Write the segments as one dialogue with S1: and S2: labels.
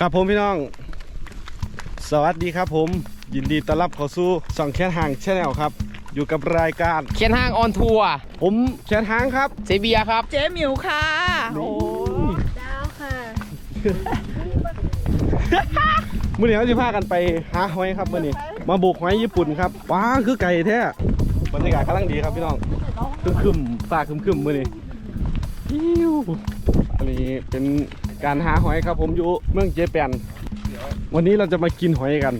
S1: ครับผมพี่น้องสวัสดีครับผมยินดีต้อนรับเข้าสู่ช่องแคนห่างชาแนลครับอยู่กับรายการ
S2: เขียนห้างออนทัวร์
S1: ผมแคนห่างครับ
S2: เซเบียครับ
S3: เจ๊หมิวค่ะ
S1: โอ้
S3: ดาวค่ะ
S1: มื้อนี้เราจะพากันไปหาหอยครับมื้อนี้มาบุกหอยญี่ปุ่นครับว้าคือไก่แท้บรรยากาศกำลังดีครับพี่น้องคึมๆฟ้าคึมๆมื้อนี้อิ้วอันนี้เป็นการหาหอยครับผมอยู่เมืองเจแปนวันนี้เราจะมากินหอยกัน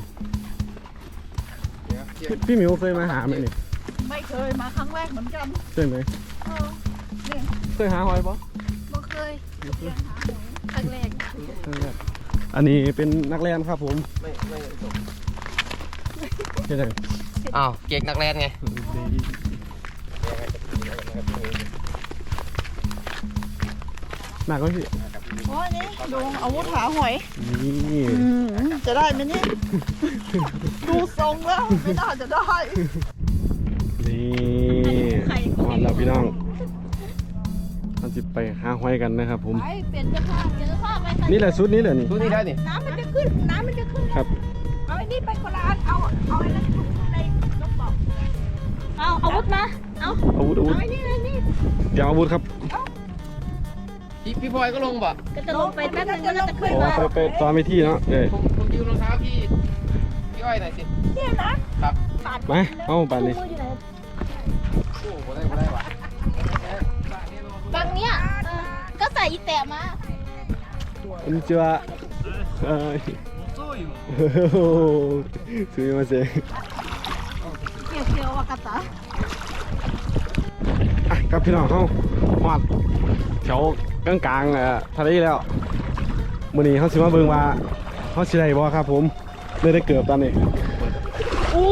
S1: พี่หมิวเคยมาหาไหมนี่
S3: ไม่เคยมาครั้งแรกเหมือนกัน
S1: เคยไหม
S3: นี่
S1: เคยหาหอยปะ
S3: บ่เคยเรียนหาหอยครั้งแรก
S1: อันนี้เป็นนักเรียนครับผมไม่ใช่ไหม
S2: อ้าวเก๊กนักแรนไง
S1: หนักก็สิ
S3: โอ้ยนี่ดูอาวุธหาหอย
S1: นี่
S3: จะได้ไหมเนี่ยดูทรงแล้วไม่น่าจะได้
S1: นี่มาแล้วพี่น้องเราจะไปหาหอยกันนะครับผม
S3: ไปเปลี่ยนเสื้อผ้าเปลี่ยนเสื้อผ้าไป
S1: นี่แหละชุดนี้แหละนี่
S2: ดูนี่ได้นี่
S3: น้ำมันจะขึ้นน้ำมันจะขึ้น
S1: ครับ
S3: เอาไอ้นี่ไปคนละอันเอาไอ้นั่นถุงในกระเป๋าเอาอาวุธมาเอา
S1: อาวุธ
S3: เอาไอ้นี่ไอ้นี่
S1: เตรียมอาวุธครับ
S2: พี่พลอยก็ลงบ่
S3: ก็จะลงไปแป๊บนึงก็จะขึ้น
S1: โอ้
S3: มา
S1: ไปตอนไปที่เนาะเอ้ย
S2: ผมยืมรองเท้าพี่อ้อยหน่อยสิ
S3: เนี่ยนะครับ
S1: มาเอาไปเลย
S2: โอ้โหได้ว่ะ
S3: บางเนี้ยก็ใส่อีแตะมา
S1: こんにちははいすみません
S3: เขียวๆว่ากระตา
S1: อ่ะครับพี่น้องเขาหอดแถวกลางๆทะเลแล้วมื้อนี้เขาสิมาเบิ่งว่าเขาสิได้บ่ครับผมเลยได้เกือบตอนนี้
S2: อู้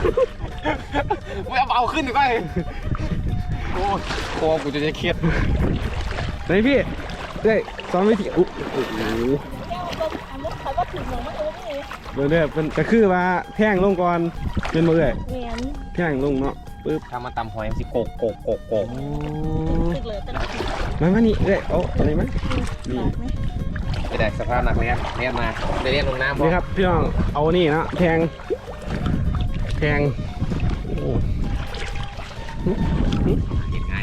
S2: เอาขึ้นดีกว่าโอ้คอกูจะเครียด
S1: ไหนพี่ได้สอนวิธีอุ๊โอ้โห
S3: เขาว่าถึงหนูมันโอ้ไม่
S1: เบิ่งเด้อเป็นก็คือว่าแท่งลงก่อนเป็นบ่เอ้ย
S3: เหมือน
S1: แท่งลงเนาะปึ๊บ
S2: ทำมาตำหอยสิโกก
S1: โอ้
S3: ตึกเลยแต่ละ
S1: มานี่เอ้ยเอาอะไรมั้ยนี่
S2: ไม่ได้สภาพหนักเรียนมาได้เรียนลงน้ำ
S1: นี่ครับพี่น้องเอานี่นะแทงโอ้
S2: เห็นง่าย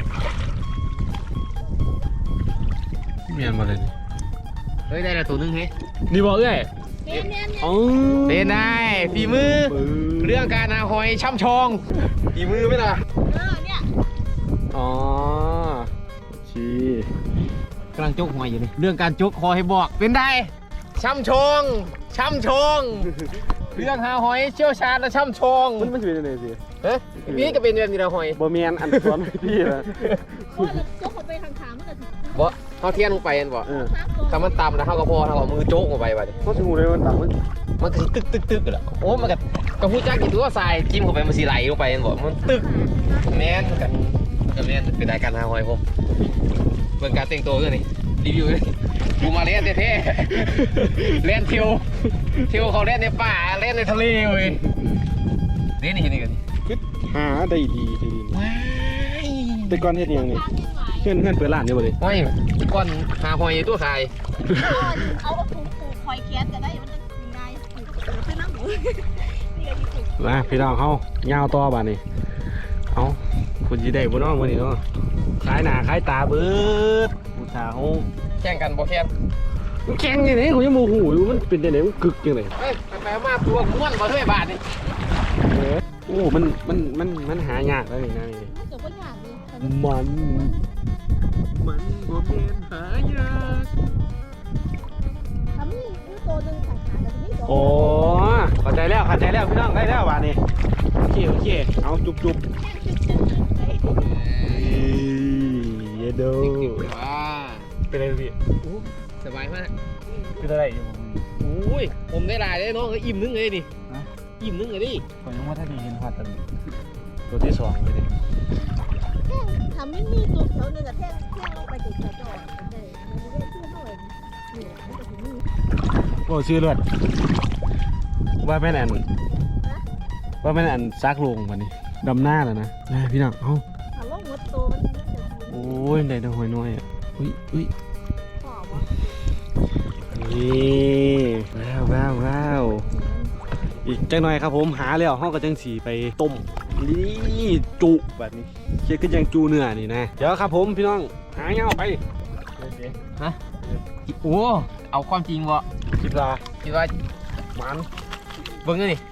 S1: เมียนมาเลย
S2: เฮ้ยได้แล้วตัวนึงเฮ้ย
S1: นี่บอกเอ้ย
S3: เนี่ยเนี่ยเนี่ย
S1: อ๋อ
S2: เล่นได้ฝีมือเรื่องการหาหอยช่ำชองฝีมือไหมล่ะ
S3: เนี่ย
S1: อ๋อชี
S2: กำลังจกหอยอยู่นี่เรื่องการจกคอให้บอกเป็นได้ช่ำชองเรื่องหาหอยเชี่ยวชาญและช่ำชอง
S1: มันจะเป็นยังไงสิ
S2: เฮ้ยนี่ก็เป็นแบบนี้ละหอย
S1: บ่เมียนอันสอนพี่ละ
S3: เพราะเราโจ๊กเขาไปทางขามันก็ถึง
S2: บ่เขาเทียนลงไปเห็นบ่
S1: เออ
S2: ถ้ามันต่ำแล้วเขาก็พอถ้าเอามือโจกลงไปบัดนี้
S1: เขาจะงูเลยมันต่างมัน
S2: มันก็สิตึกแล้วโอ้มันก็ฮู้จักอยู่ตัวทรายจิ้มเข้าไปมันสิไหลลงไปเห็นบ่มันตึกแม่นกันแม่นเป็นรายการหาหอยผมเบิ่งการแต่งตัวด้วยนี่รีวิวเลยกูมาเล่นแท้ๆเล่นเที่ยวเขาเล่นในป่าเล่นในทะเลเว้ยเล่นนี่กัน
S1: หาได้ดีทีนี้
S2: ว้าย
S1: แต่ก่อนเฮ็ดยังนี่เพื่อนเปิดร้านอยู่บ่ดิ
S2: ไม่ก้อนหาหอยตัวทราย
S3: เอาถุงผูกคอยแขนก็ได้มันจะง่ายผูกขึ้นน้ำหมูนี่ก็ผูก
S1: มาพี่น้องเฮายาวต่อบัดนี้เอาคุณสิได้บ่น้องมื้อนี้เนาะขายหน้าขายตาเบิดผู้สาว
S2: แข่งกันบ่แข่ง
S1: มันแข็งยังไงผมยังโมโหอยู่มันเป็นยังไงมันกึกยังไง
S2: เฮ้ยไปมาตัวม้วนบ่เท่าบาทนี่
S1: โอ้มันหายากแล้วนี่นะนี่
S3: มันเกิดว่าอย่างนี้
S1: มันบ่เป็นหายาก
S3: ทำนี่คือตัวหนึ่งสายขาแต่นี่ตัว
S1: โอ้เข้าใจแล้วพี่น้องได้แล้วบาดนี้โอเคเอาจุบเยโด
S2: ว้า
S1: เป็นอะไรพี่
S2: สบายมาก
S1: เป็นอะไรอยู่
S2: โอ้ยผมได้หลายเลยน้องอิ่มนึงเลยดิอิ่มนึงเลยดิ
S1: ผมยังว่าถ้าดีเห็นพาตันตัวที่สองเลยดิ
S3: ทำไม่มีตัวเขาเนี่ยแต่แท่งลงไปติดกระจกเลยมันไม่ได้ชื่อเท่าไหร่เนี่ยมันจะถึงนี่
S1: โอ้ชื่อเลือดว่าเป็นอันซักลงวันนี้ดำหน้าแล้วนะพี่น้องเอา
S3: ถ้าลงวัดตัวมันจะ
S1: โอ้ยได้ดอกหอยน้อยอ่ะอุ้ย
S3: ขอบวะ
S1: นี่นี่ว้าวอีกจังหน่อยครับผมหาแล้วห้องกระจังสีไปต้มนี่จุแบบนี้เช็ดขึ้นยังจูเนื้อนี่นะเดี๋ยวครับผมพี่น้องหาเงาไป
S2: ฮะโอ้เอาความจริงวะ
S1: คิดว่า
S2: คิดว่า
S1: มัน
S2: เบิ่งนี่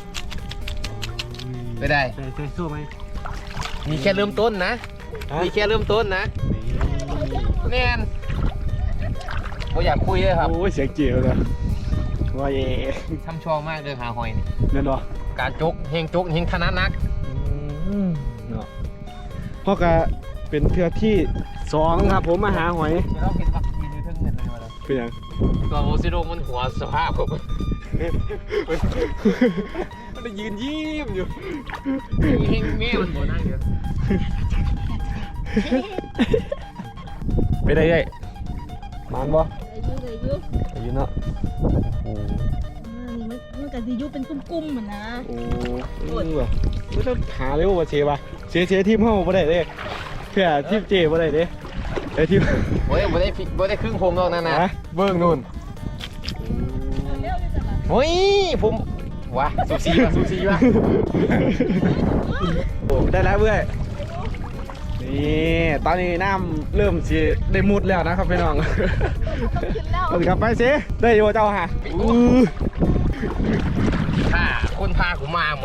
S2: ไม่ได้
S1: ใช่สู้ไหม
S2: มีแค่เริ่มต้นนะ มีแค่เริ่มต้นนะแน่นผมอยากคุยเลยครับ
S1: โอ้ยเสียงเจียวเลยว่าเย่
S2: ทำชองมากเรื่องหาหอยนี่
S1: เงินบ่
S2: การจกเฮงถนัดนัก
S1: เนาะพ่อก็เป็นเทือที่2ครับผมมาหาหอย
S2: เดี๋ยวเราเห็นวัคซีนอยู่ทั้งเงินเลยมาแล้ว
S1: เป็นยัง
S2: ตัวโอซิโดมันหัวสภาพผมมันยืนยิ้มอยู่เฮงแม่มันหัวนั่งอยู่
S1: ไปได้เลยมันบ่
S3: เลยยุ
S1: อายุเนาะโอ้
S3: มันกับสิยุเป็นกุ้มๆเหมือนนะ
S1: โหว่ะไม่ต้องหาเร็วว่าเชฟป่ะเชฟทีมเฮาบ่ได้เด้เพื่อทีมเจบ่ได้เด้ไอ้ทีม
S2: โอ้ยบ่ได้ครึ่งผมหรอกนะ
S1: ฮะ
S2: เบิ่งนู่นโอ้ยผมว้าสูสีว่ะ
S1: โอ้ได้แล้วเว้ยนี่ตอนนี้น้ำเริ่มสิได้มุดแล้วนะครับพี่น้องเอาสิครับไปสิได้อยู่เจ้าฮะ
S2: ถ้าคนพาผมมาเหมือน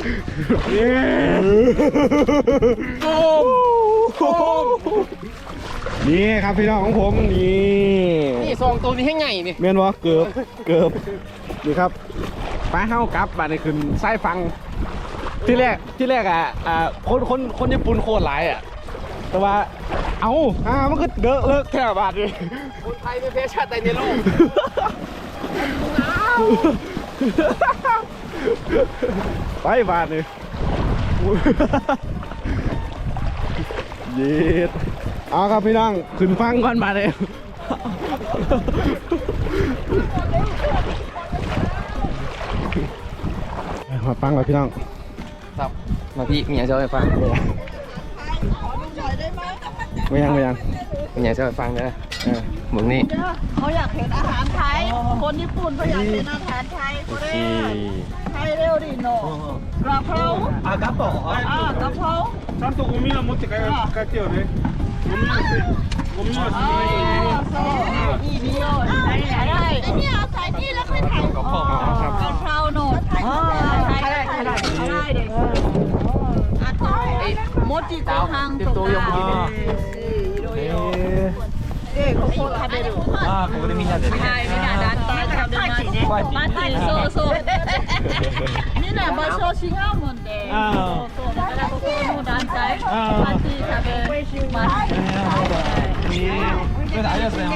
S1: นี่ครับพี่น้องของผมนี่
S2: นี่ซองตัวนี้ให้ไงนี่
S1: เมียนวะเกือบนี่ครับป้าเฮากลับมาในคืนไส้ฟังที่แรกคนญี่ปุ่นโคตรหลายอ่ะแต่ว่ามันก็เลิกแค่บาทเลย
S2: คนไทยไม่แพ้ชาติใดในโลก
S1: ไปบาทเลยเย็ดเอาครับพี่น้องขึ้นฟังก่อนบาทเลยมาฟังก่อนพี่น้อง
S2: ครับมาพี่มีอย่างจะไปฟัง
S1: ไม่ยัง
S2: มีอย่างจะไปฟังนะเหมือนนี่
S3: เขาอยากเห็นอาหารไทยคนญี่ปุ่นเขาอยากเห็นอาหารไทยเขาเร็วไทยเร็วดิโนกระเพรากระเพรากระเพรา
S4: ちゃんとゴミは持って帰ってよね。ゴミは
S3: いい匂いไอ้นี่เอาใส่นี่แล้วค่อยถ่าย
S2: กระเพาะ
S1: ครับ
S3: กระเพราโนดถ่ายได้เด็กมดจีโกฮังตัวยังมีここ食べる。
S2: ここでみんなで
S3: はい、みんな団体食べます。マジそうそう。みんな場所違うもんで。そうだからここの団体マジ食べます。
S2: ありがとうございます。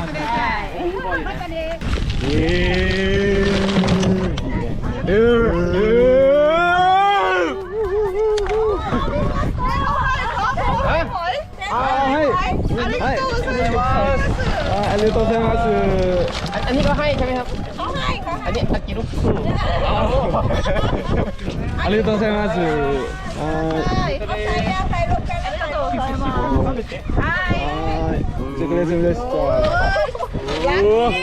S1: ありがとうございます。
S2: อันนี้ก็ให้ใช่ไหมครับ
S3: เขาให้เขา
S2: อันนี้ตะกี้ลูก
S1: ありがとうございます。
S3: ให้เขาใส่แล้วใส่ลงกันแล้วใส่มาはい
S1: はい。チョコレートでした。
S3: や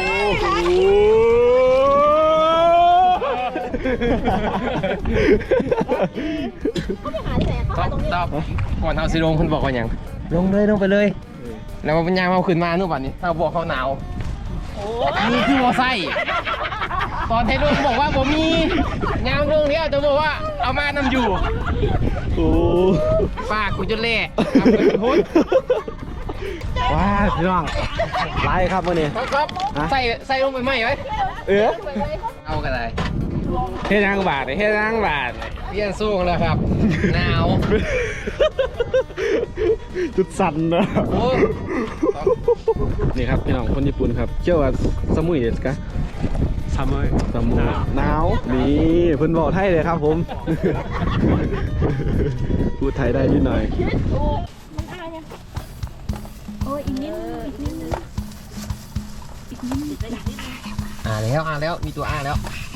S3: เขาไปหาที่ไหนเขา
S2: ต
S3: หา
S2: อบ
S3: ตรงนี้
S2: ตอบก่อนเอาสิลงคุณบอกว่าอย่างลงไปเลย แล้วมันยางเอาขึ้นมานู่นวันนี้ถ้าบอกเขาหนาวนี่คือวอไซตอนเทลุงบอกว่าผมมียางเรื่องนี้จะบอกว่าเอามานำอยู่
S1: โอ้
S2: ป้ากูจะเล่ทำเป็นพุทธ
S1: ว้าพี่น้องไล่ครับวันนี้
S2: ครับใส่ลงไปไหมไว้ เอากันเลย
S1: เฮ็ดยังบาทเฮ็ดยังบาท
S2: เปลี่ยนสู้แล้วครับหนาว
S1: จุดสั่นนะ
S2: โอ้
S1: นี่ครับพี่น้องคนญี่ปุ่นครับเชื่อว่าสมุยเด็ดกะสมุยหนาวนี่เพิ่นบอกไทยเลยครับผมพูดไทยได้นิดหน่อย
S3: โอ้ยอีกนิดนึง
S2: แล้วมีตัวแล้ว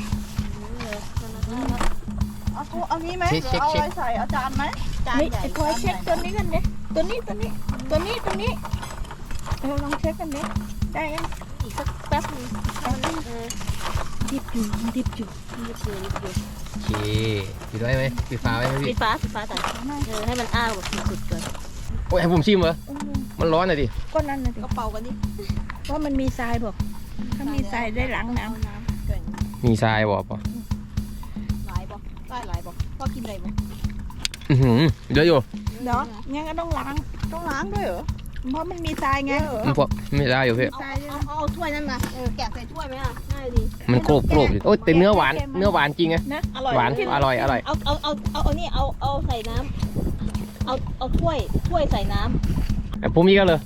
S3: เอางี้ไหม
S2: เช็ค
S3: เอาอะไรใส่เอาจานไหมจานใหญ่พอเช็คตัวนี้กันดิตัวนี้ลองเช็คกันดิได้ยังอีกสักแป๊บนึงดิบอยู่ดิบอยู่
S2: โอเคปิดไว้ไหมปิดฝาไว้ไหม
S3: ปิ
S2: พี่
S3: ดฟ้าแต่ให้มันอ้าแบบสุดๆก่อน
S2: โอ้ยให้ผมชิมเหรอมันร้อนหน่อยดิ
S5: ก็นั่นน่ะดิ
S3: ก็เป่ากันดิ
S5: ว่ามันมีทรายบอกถ้ามีทรายได้ล้างน้
S2: มีทรายบอกป่ะ
S3: หลายบ่ได้หลายบ่พ่อกินอะไรบ่
S2: เยอะอยู่
S5: ำเนาะงั้นก็ต้องล้างด้วยเหรอเพราะมันมีทรายไง
S2: มันพอไม่ได้อยู่พี่
S3: เอาถ้วยนั่นมาแกะใส่ถ้วยไหมอ่ะง่ายดี
S2: มันโกรบอยู่โอ้ยแต่เนื้อหวานจริงไง
S5: นะ
S3: อร่อย
S2: หวานอร่อย
S3: เอานี่เอาใส่น้ำเอาถ้วยใส่น้ำ
S2: แต่ผมมีกันเลย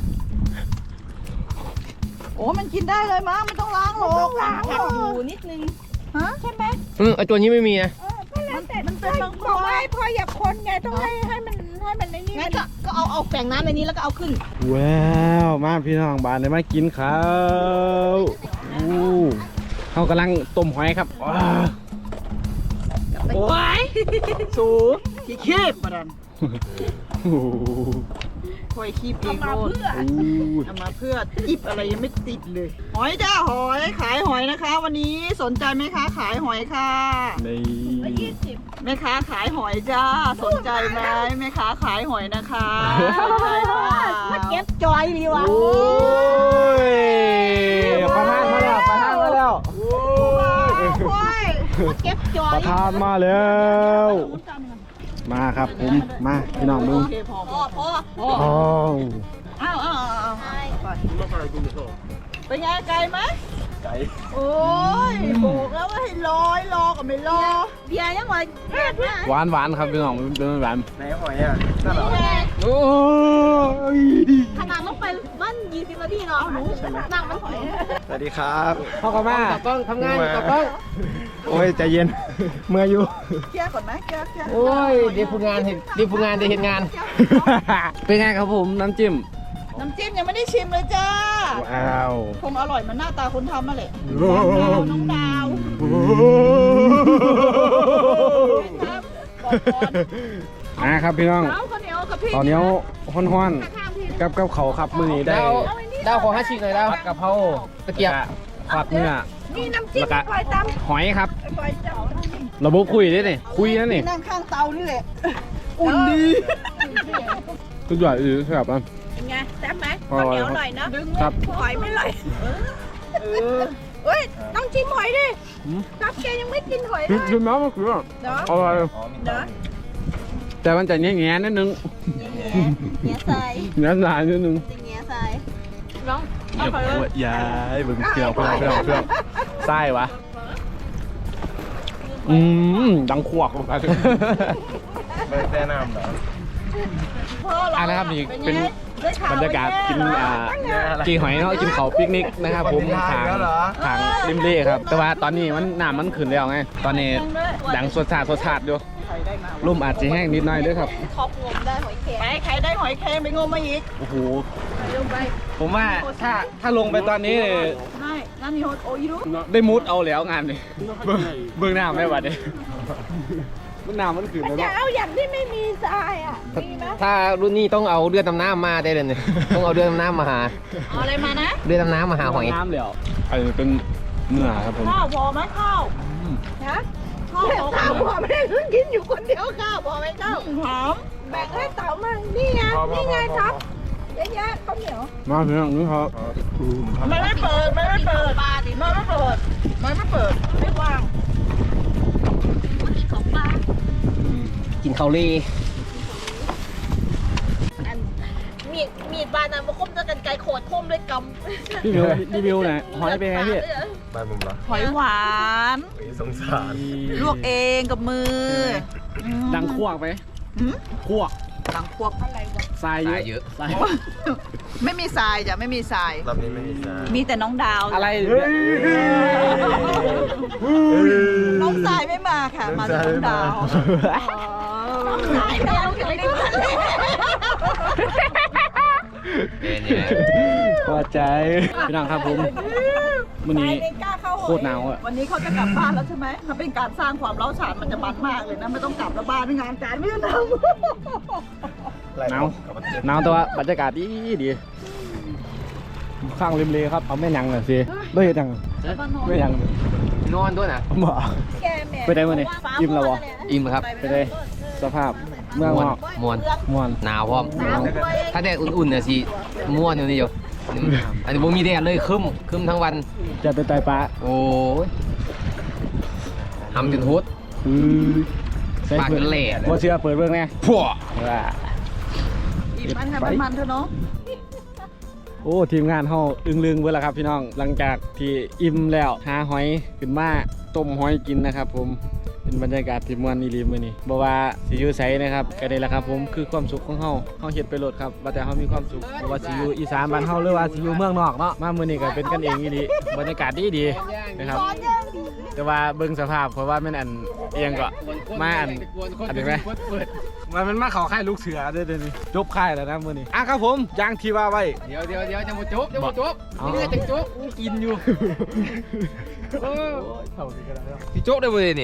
S5: โอ้มันกินได้เลยมั้งมันต้องล้างหรอกต้องล้าง
S3: ผัดอยู่นิดนึง
S5: ฮะใช่ไหม
S2: ไอตัวนี้ไม่มีนะ
S5: มันเป็นบางคนไม่พออยากคนไงต้องให้มันในนี่
S3: งั้นก็เอาแฝงน้ำในนี้แล้วก็เอาขึ้น
S1: ว้าวมาพี่น้องบ้านได้มากินข้าวอู้เขากำลังต้มหอยครับว้าว
S5: โอ้ยสูขี้คีบมาดัน
S1: โอ้โห
S5: คอยคีบเองโลด
S1: อู้
S5: เอามาเพื่อจิบอะไรยังไม่ติดเลย หอยจ้าหอยขายหอยนะคะ วันนี้สนใจไหมคะขายหอยค่ะ
S1: ใน
S5: แม่ค้าขายหอยจ้าสนใจไหมแม่ค้าขายหอยนะคะสนใจค่ะ
S3: มาเก็บจอยดีวะ
S1: โอ้ยประธานมาแล้วประธานมาแล้ว
S3: มาเก็บจอย
S1: ประธานมาแล้วมาครับผมมาพี่น้องมึง
S5: โอเคพอ
S3: พ่อ
S1: อ้าว
S5: อ้าวไปเป็นไงไกลไหม
S1: ไก่
S5: โอ้ยบอกแล้วว่าให้รอกับไม่รอ
S3: เบียร์ยังไงแม่ด้วย
S1: หวานหวานครับพี่น้องมันเป็นหวาน
S4: ไหนหอยอ่ะนั่นเหรอ
S1: โอ้ย
S3: ขนาดต้องไปบ้าน20 นาทีเนาะหนูนั่งมันหอย
S4: สวัสดีครับ
S1: เข้ากันมา
S2: ตากล้องทำงานตากล้อง
S4: โอ้ยใจเย็น เมื่ออยู่
S5: เคลียร์ก่อนไหมเคลียร์
S2: โอ้ยเดี๋ยวผู้งานเห็นเดี๋ยวผู้งานได้เห็นงาน
S1: เป็นไงครับผมน้ำจิ้ม
S5: น้ำจิ้มยังไม่ได้ชิมเลยจ้า
S1: ว้าว
S5: คงอร่อยเหมันหน้าตาคนทำมาแหละน้องดาว
S1: นะครับพี่น้อง
S5: ดาวข้าวเหนียวกับพี่
S1: ตอนนี้ฮ้อนๆกับเขาครับมือนี้ได้
S2: ดาวขอ5 ชิ้นหน่อยดาว
S1: ผัดกะเพรา
S2: ตะเกียบ
S1: ผัดเนื้อ
S5: นี่น้ำจิ้ม
S1: แล้วก็
S5: ปล่อยต
S1: หอยครับ
S5: ำปล่อยเจ้า
S1: ระบบคุยได้นี่คุยนั่นนี่
S5: นั่งข้างเตานี่แหละอุ่นดี
S1: สุดยอดอือครับอ่ะ
S5: เป็นไงแซ่บไหม
S1: อร่อยครับ ครับ
S5: หอยไม่ไหลเฮ้ยต้องชิมหอยดิรับแกยังไม่กินหอยเล
S1: ชิ
S5: ย
S1: มแล้วมันคือ
S5: เนาะ
S1: อร่อย
S5: เนาะ
S1: แต่มันจะแง่ๆนิดนึง
S3: เงี้ยใส่
S1: เนื้อหนานิดนึง
S3: เงี้ยใส่
S5: น้อง
S1: ย้ายบึงเกี่ยวเพื่อนไส้วะดังขวกลงไป
S4: ไม่แนะนำเหรอ
S1: อ่ะนะครับนี่เป็นบรรยากาศกินกีหอยเนาะกินเขาปิกนิกนะครับผมทางริมเล่ครับ แต่ว่าตอนนี้มันน้ำมันขึ้นแล้วไงตอนนี้ดังสดชาติอยู่ร่มอาจจะแห้งนิดหน่อยด้วยครับ
S3: ท็อปงมได้หอยแครง
S5: ไปใครได้หอยแครงไปงมมาอีก
S1: โอ้โหผมว่าถ้าลงไปตอนนี้เนี่ย
S5: ได้นั่นนี่โอ้ยรู้
S1: ได้มุดเอาแล้วงานนี่เบื้องหน้าไม่ไหวเลยมันน้ำมันขึ้นแล้ว
S5: อย่า
S1: เนาะ
S5: เอาอย่างที่ไม่มีทรายอ่ะมีไหม
S2: ถ้ารุ่นนี้ต้องเอาเรือดำน้ำมาได้เลยเนี่ยต้องเอาเรือดำน้ำมาหา
S5: เอาอะไรมานะ
S2: เรือดำน้ำมาหาหอย
S1: น้ำแล้วอันนี้เป็นเนื้อครับผม
S5: ข้าวพอไหมข้าวฮะข้าวพอไม่ได้เพิ่งกินอยู่คนเดียวข้าวพอไหมข้าวหอมแบ่งให้เต๋ามั่งนี่ไงนี่ไงครับเยอะแยะข้าวเหนียว
S1: มาเพียงนี้ครับ
S5: มันไม่เปิดมันไม่เปิดมันไม่เปิดมันไม่เปิดไม่ว่าง
S3: กินของปลา
S2: กินข้าวเล่
S3: มีดบานนั้นมาคมด้วยกันไกลโขดคมด้วยกำ
S1: พี่มิวรีวิวหน่อยหอยเป็นไงพี่
S4: บ้านผมเหรอ
S5: หอยหวาน
S4: สงสาร
S5: ลวกเองกับมือ
S1: ดังขวกไหมขวก
S5: ดังพวกอะไรวะ
S1: ทราย
S2: ตายเยอะ
S1: ทราย
S5: ไม่มีทรายจ้ะไม่มีทราย
S4: รอบนี้ไม่มีสาร
S5: มีแต่น้องดาว
S1: อะไร
S5: น้องทรายไม่มาค่ะ มาแต่น้องดาวน้องทรายดาวอยู่ในทะเล
S2: เนี่ย
S1: พอใจพี่น้องครับผมวันนี้ โคตรหนาวอะ
S5: วันนี้เขาจะกลับบ้านแล้วใช่ไหมถ้าเป็นการสร้างความเล้าฉานมันจะมันมากเลยนะ ไม่ต้องกลับแล้วบ้านไม่งานการไม่ต้องท
S1: หนาวหนาวแต่ว่าบรรยากาศดีดีข้างริมเลครับเอาแม่ยังหน่อยสิด้วยยังแม่ยัง
S2: นอนด้วยนะ
S1: บ่
S5: แกแม่
S1: ไปได้มื้อนี้อิ่มแล้วบ่
S2: อิ่มครับ
S1: ไปได้สภาพเมืองนอก
S2: มวน
S1: ม่วน
S2: หนาวพร้อมถ้าแดดอุ่นๆเนี่ยสิม่วนอยู่นี่อยู่อันนี้บ่มีแดดเลยครึ้มทั้งวัน
S1: จะไปไต่ปลา
S2: โอ้ยทำจนโหด ปากเป็นแหล่เลย
S1: บ่เชื่อเปิดเบิ่งแน่
S2: พัว
S1: ว่า
S3: อีมันให้มันเถอะเนาะ
S1: โอ้ทีมงานเฮาอึ้งลึงเบิดแล้วครับพี่น้องหลังจากที่อิ่มแล้วหาหอยขึ้นมาต้มหอยกินนะครับผมเป็นบรรยากาศที่ม่วนอีหลีมื้อนี้บ่ว่าสิอยู่ไสนะครับก็ได้แล้วครับผมคือความสุขของเฮาเฮ็ดไปโลดครับว่าแต่เฮามีความสุขบ่ว่าสิอยู่อีสานบ้านเฮาหรือว่าสิอยู่เมืองนอกเนาะมามื้อนี้ก็เป็นกันเองอีหลีบรรยากาศดีๆนะครับแต่ว่าเบิ่งสภาพเพราะว่ามันอันเอียงก็มาอันนี้ไหมมันมาเข้าค่ายลูกเสือเด้อนี่จบค่ายแล้วนะมื้อนี้ครับผมอย่างที่ว่าไว้
S2: เดี๋ยวจะมาจุ๊บนี่จะจุ๊บกินอยู่พี่โจ๊กได้บ่เลยนี่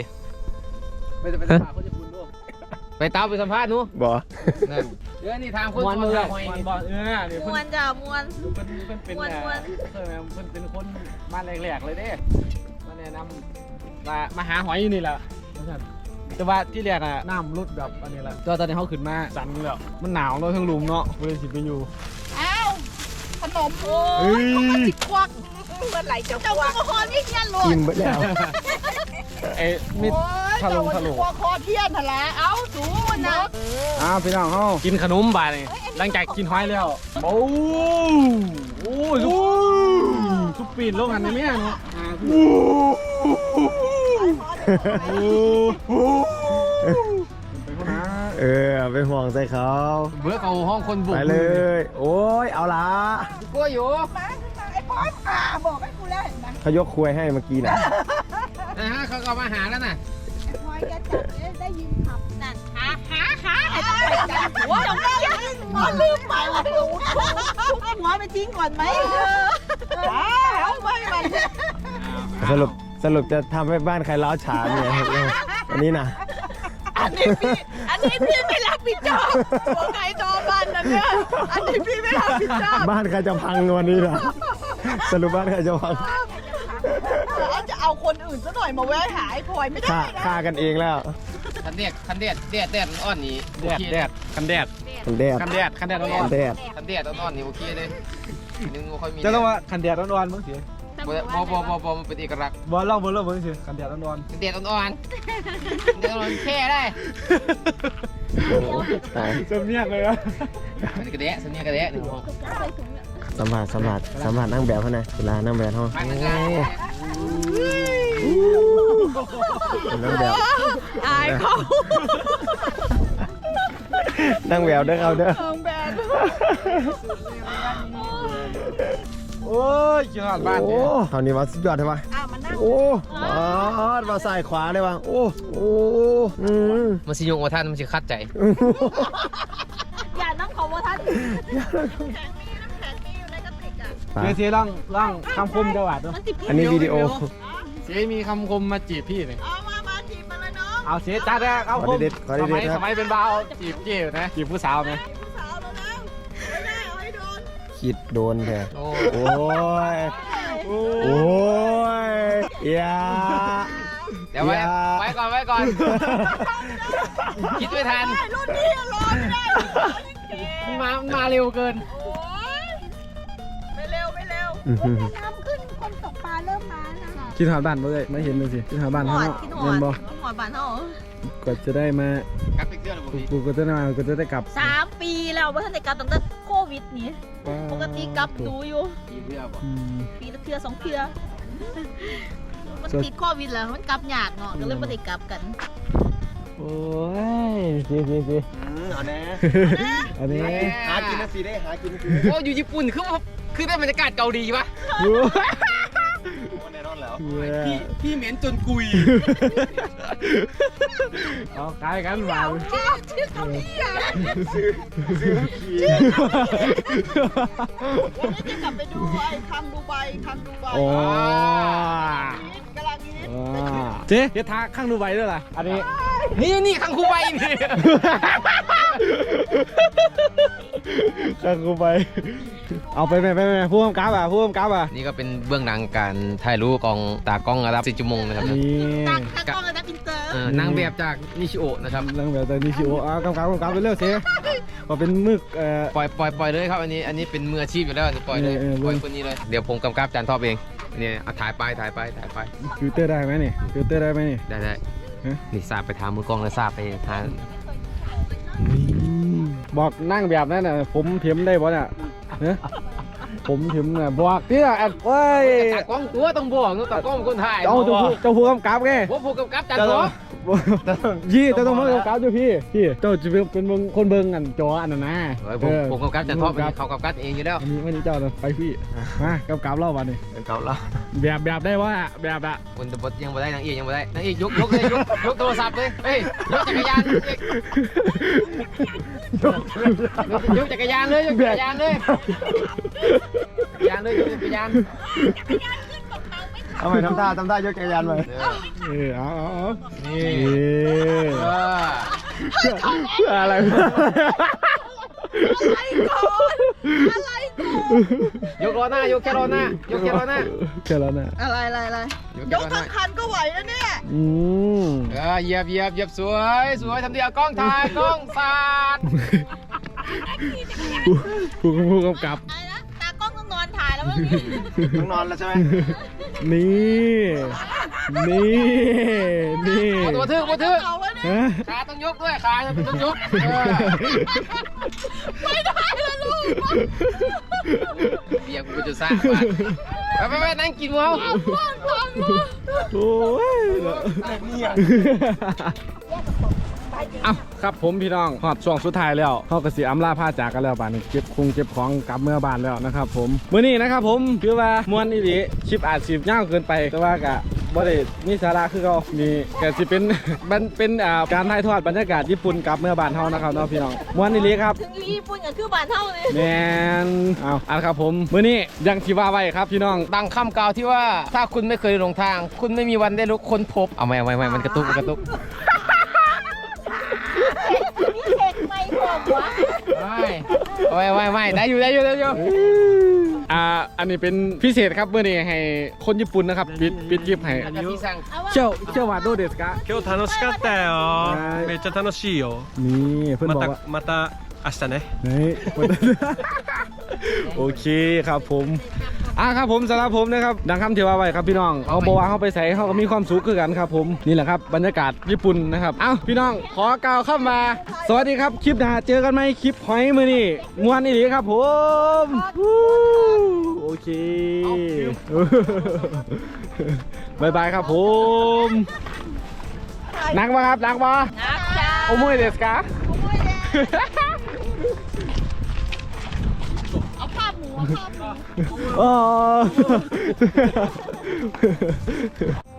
S2: ไปตามไปสัมภาษณ์หนู
S1: บ่
S2: นั่นเดี๋ยวนี่ทางคน
S1: มวนมือ
S2: หอย
S1: มวน
S2: นี่
S1: บ่นี่
S3: ม
S1: เพิ่
S3: วน นจ้ามวน
S1: เพิ่นเป็น
S3: ม่วน
S1: เพิ่นเป็นคนบ้านแรกๆเลยเด้มาแนะนำมาหาหอยอยู่นี่แหละแต่ว่าที่แรกอะน้ำลดแบบอันนี้แหละตอนนี้เขาขึ้นมาสั่นแล้วมันหนาวเนาะทั้งลุมเนาะเพื่อนสิไปอยู่
S5: อ้าวขนมโอ้
S1: เฮ้
S5: ย
S1: ย
S5: เขาก็ติดควักเมื่อไหร่จะควักคอนี่เงี้ยหล
S1: กินไปแล้วไอ้มิดทะลงทะลง
S5: ควักคอเทียนนั่นแหละเอาสูนนะ
S1: พี่น้องเขากินขนมบ่ายนี่หลังจากกินหอยแล้วโอ้ยทุกปีนลงกันในเนี้ยเนาะ
S6: ไปห่วงใส่เขา
S2: เบื่อเขาห้องคนบุก
S6: ไปเลย โอ้ยเอาละ
S2: กลัวอยู่
S5: มาไอ้ป้อมบอกให้กูแล้วเห็นไหม
S6: เขายกควยให้เมื่อกี้น่ะ
S2: นะฮะเขามาหาแล้วน่ะ
S5: พอยจะจับได้ยินขับนั่นหาให้ต้องไปกันหัวจงได้หัวลืมไปว่าทุกหัวไปทิ้งก่อนไหมเอาไปมัน
S6: สรุปจะทำให้บ้านใครล้าวฉานเนี่ยอันนี้นะ
S5: อันนี้พี่ไม่รับผิดชอบหัวไก่ตอบ้านนั่นเนี่ยอันนี้พี่ไม่รับผิดชอบ
S6: บ้านใครจะพังวันนี้ล่ะสรุปบ้านใครจะพัง
S5: จะเอาคนอื่นซะหน่อยมาแวะหาไอ้พลอยไม่ได้นะ
S6: ฆ่ากันเองแล้ว
S2: คันแดดอ่อนนี่
S1: แดดคันแดด
S6: มันแดด
S1: คันแดดร้อน
S6: มันแดด
S2: คันแดดอ่อนนี่โอเคเลยนึงบ่ค่อยมี
S1: จะเรียกว่าคันแดดร้อนๆมั้งสิ
S2: บ่มันเป็นเอกลักษณ์
S1: บอลเล่ามึงสิคันแดดร้อน
S2: คันแดดอ่อนแค่ได้
S6: โอ้โหตาย
S1: ๆจะเมียกเลยอะ
S2: มันกระแดะสัญญากระแดะนี่
S6: สัมผัสนั่งแบบเขาหน่อยเวลานั่งแบบเขา
S2: ไปกันได้
S6: นั่งแบบ
S5: อายเขา
S6: นั่งแบบเด้อเขาเด้อ
S5: เอิงแบน
S1: โอ้ยกินหอดบ้าน
S6: โอ้
S1: เนี่ย
S6: เขานี่ว่าสุดยอดใช่ปะ
S5: มานั่ง
S6: โอ้มาซ้ายขวาเลยวะโอ้อืม
S2: มันสิยงว่าท่านมันสิคัดใจ
S5: อย่านั่งของว่าท่านแข็งมีอยู่ในกระติกอ่ะ
S1: เสียร่องคำคมจังหวัดด้วย
S6: อันนี้วิดีโอ
S1: เสียมีคำคมมาจีบพี่นี่
S5: มาจีบมาเลยน้อง
S1: เอาเสียจัดแล้วเอาคม
S6: ขอเด็ดๆครับ
S1: สมัยเป็นบ่าวจีบเกี่ยวนะจีบผู้สาวไหม
S5: ผู้สาวเราแล้วไม่ได้เอาให้โดน
S6: คิดโดนแท้
S2: โอ้
S6: โอ้ย โอ้ยอย่า
S2: เดี๋ยวไว้ก่อนคิดไม่ทัน
S5: รุ่นนี้รอไม่ได้
S2: มาเร็วเกิน
S5: โอ้ยไม่เร็วน้ำขึ้นคนตกปลาเริ่มมานะ
S1: คิดหอดบ้านบ่เลยไม่เห็นเลยสิคิดหอดบ้านเขาเนาะเงินบ่
S5: หอดบ้านเขา
S1: ก็จะได้มา
S2: กับอีกเดือนหรือเปล่า
S1: กูก็จะได้มาก็จะได้กลับ
S3: 3 ปีแล้วว่าท่านในการตั้งแต่โควิดนี่ปกติกลับดูอยู่
S2: กี่เดือนบ่
S1: อืม
S3: ปีละเทื่อ2เทื่อมันติดโควิดแล้วมันกลับยากเนาะก็เลยบ่ได้กลับกัน
S1: โอ้ยสิ
S6: เอาแน่
S1: อันนี้
S6: หากินนะสิได้หากินนะสิ
S2: โอ้อยู่ญี่ปุ่นคือได้บรรยากาศเกาหลีปะ
S6: แน่นอนแล้ว
S2: พี่เหม็นจนกุย
S1: เอาคล้ายกันมา
S5: ชื่อคำนี้อ่ะ วันนี้จะกลับไปดูไอ้คังดูไบ
S1: โอ้
S5: กำลังฮิต
S1: เจ๊เดี๋ยวทาข้างดูใบด้วยล่ะอันนี้
S2: นี่คังคูใบนี่
S1: ข้างกูไป เอาไปผู้กำกับอ่ะ
S2: นี่ก็เป็นเบื้องหลังการถ่ายรูปกองตากล้องระดับ10 ชั่วโมงนะครับ
S1: นี่
S5: ตั้งกล้องเลยนะอินเตอร์
S2: นางแบบจากนิชิโอะนะครับ
S1: เรื่องแบบแต่นี่ชิโอกำกับไปเรื่อยเสียพอเป็นมึก
S2: ปล่อยเลยครับอันนี้เป็นมืออาชีพอยู่แล้วอันนี้ปล่อยเลย ปล่อยคนนี้เลยเดี๋ยวผมกำกับจานทอบเองเนี่ยถ่ายไป
S1: ฟิลเตอร์ได้ไหมนี่ได้
S2: ได้นี่ทราบไปทางมือกล้องแล้วทราบไปทาง
S1: บอกนั่งแบบนั้นน่ะผมเถียมได้ป่ะเนี่ยผมเถียมน่ะบอกที่น่ะเว้ย
S2: ตากล้องตัวต้องบอกตากล้องคนถ่าย
S1: เจ้าผู้กำกับไง
S2: ผมกำกับจานทอบ
S1: ยี่เจ้าต้องมากำกับอยู่พี่เจ้าจะเป็นคนเบิ่งกันจออันนั้นนะ
S2: ผมกำกับจานทอบเขากำกับเองอยู่แล้ว
S1: วันนี้เจ้าไปพี่มากำกับเล่าวันนี้
S6: เป็นเกาแล้ว
S1: แบบได้ว่าแบบอะ
S2: คนบดยังไม่ได้นางเอกยังไม่ได้นางเอกยกเลยยกโทรศัพท์เลยเฮ้ยยกจักรยานยกจักรยานเลยยกจักรยานเลยยกจักรยาน
S6: ทำไมทำท่ายกจักรยานไป
S1: เอา
S2: นี่
S1: เพื่ออะไร
S2: ยกล้อหน้ายกแค่ล้อหน้ายกแค่ล้อหน้า
S1: แค่แล้วนะ
S5: อะไรยกทั้งคันก็ไหวแล้วเนี่ย
S2: เหยียบสวยทำดีเอากล้องถ่ายกล้องสาด
S1: ผู้กำกับ
S5: อะไรนะตากล้องต้องนอนถ่ายแล้วมั้ง
S6: ต้องนอนแล้วใช่ไหม
S1: นี่
S2: ตัวทึก
S5: เอาไว้เนี่ย
S1: ฮะ
S2: ขาต้องยกด้วยขาต้องยก
S5: ไม่ได้แล้วลูก
S2: เบียร์กูจะซ่าไปนั่งกินหมู
S1: โอ้ยเอาครับผมพี่น้องหอดช่วงสุดท้ายแล้วเขากระสีอำลาผ้าจากกันแล้วบ้านนี้เก็บของกลับเมื่อบ้านแล้วนะครับผมมื้อนี้นะครับผมคือว่ามวนอีหลีคลิปอาจสิยาวเกินไปแต่ว่ากะบ่ได้มีสาระคือเขานี่ก็สิเป็นเป็นการถ่ายทอดบรรยากาศญี่ปุ่นกลับเมื่อบ้านเฮานะครับเนาะพี่น้องมวนอีหลีครับ
S5: ถึงญี่ปุ่นก็คือบานเท่าเลย
S1: แมนเอาครับผมมื้อนี้ยังที่ว่าไว้ครับพี่น้อง
S2: ดังคำกล่าวที่ว่าถ้าคุณไม่เคยหลงทาง คุณไม่มีวันได้รู้ค้นพบเอาไม่มันกระตุก
S5: นี่เช็คไม่ผมวะ
S2: ไม่ได้อยู่
S1: อันนี้เป็นพิเศษครับมื้อนี้ให้คนญี่ปุ่นนะครับปิดคลิปให้
S2: แล้วก็ที่สั่ง
S1: เชี่ยวว่าどうですか
S4: 今日楽しかったよめっちゃ楽しいよ
S1: นี่เพื่อนบอกว่า
S4: また明日ね
S1: นี่โอเคครับผมครับผมสำหรับผมนะครับดังคำที่ว่าไว้ครับพี่น้องเอาบอกว่าเขาไปใส่เขาก็มีความสุขคือกันครับผมนี่แหละครับบรรยากาศญี่ปุ่นนะครับพี่น้องขอกล่าวเข้ามาสวัสดีครับคลิปหน้าเจอกันไหมคลิปหอยมือนี่มวนอีหลีครับผมโอเคบายบายครับผมนักปะครับนักปะ
S5: นักจ้า
S1: โอมุยเดสกะ
S5: เอาภาพหมู
S1: อ๋อ